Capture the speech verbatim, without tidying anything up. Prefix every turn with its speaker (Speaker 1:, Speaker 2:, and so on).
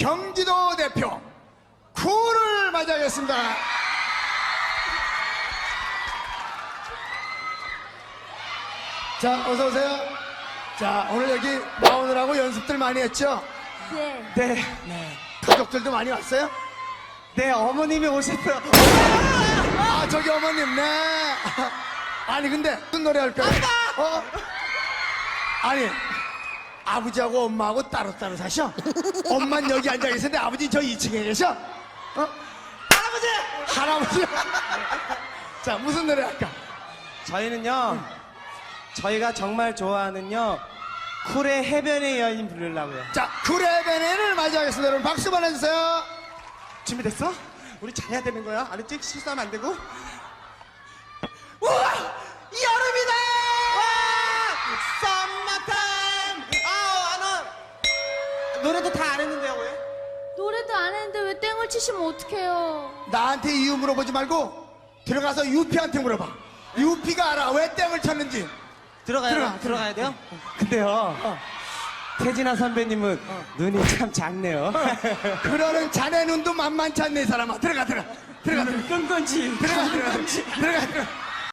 Speaker 1: 경기도 대표 쿨을 맞이하겠습니다. 자, 어서 오세요. 자, 오늘 여기 나오느라고 연습들 많이 했죠?
Speaker 2: 네.
Speaker 3: 네,
Speaker 1: 네. 가족들도 많이 왔어요?
Speaker 3: 네, 어머님이 오셨어요.
Speaker 1: 아, 저기 어머님, 네. 아니, 근데 무슨 노래 할까요? 어? 아니, 아버지하고 엄마하고 따로따로 사셔? 엄마는 여기 앉아 계시는데 아버지 저 이 층에 계셔? 어? 할아버지! 할아버지! 자, 무슨 노래 할까?
Speaker 3: 저희는요, 저희가 정말 좋아하는요, 쿨의 해변의 여인 부르려고요.
Speaker 1: 자, 쿨의 베네를 맞이하겠습니다. 여러분, 박수 보내주세요.
Speaker 3: 준비됐어? 우리 잘해야 되는 거야. 알았지? 실수하면 안 되고. 우와! 여름이다! 썸머타임! 아우, 안 와! 노래도 다 안 했는데요, 왜?
Speaker 2: 노래도 안 했는데 왜 땡을 치시면 어떡해요?
Speaker 1: 나한테 이유 물어보지 말고 들어가서 유피한테 물어봐. 유피가 알아. 왜 땡을 쳤는지.
Speaker 3: 들어가야,
Speaker 1: 들어가,
Speaker 3: 들어가야 돼요? 근데요, 태진아 선배님은 눈이 참 작네요.
Speaker 1: 그러는 자네 눈도 만만치 않네, 이 사람아. 들어가, 들어가. 들어가, 들어가.
Speaker 3: 끈건지.
Speaker 1: 들어가, 들어가. 들어가, 들어가.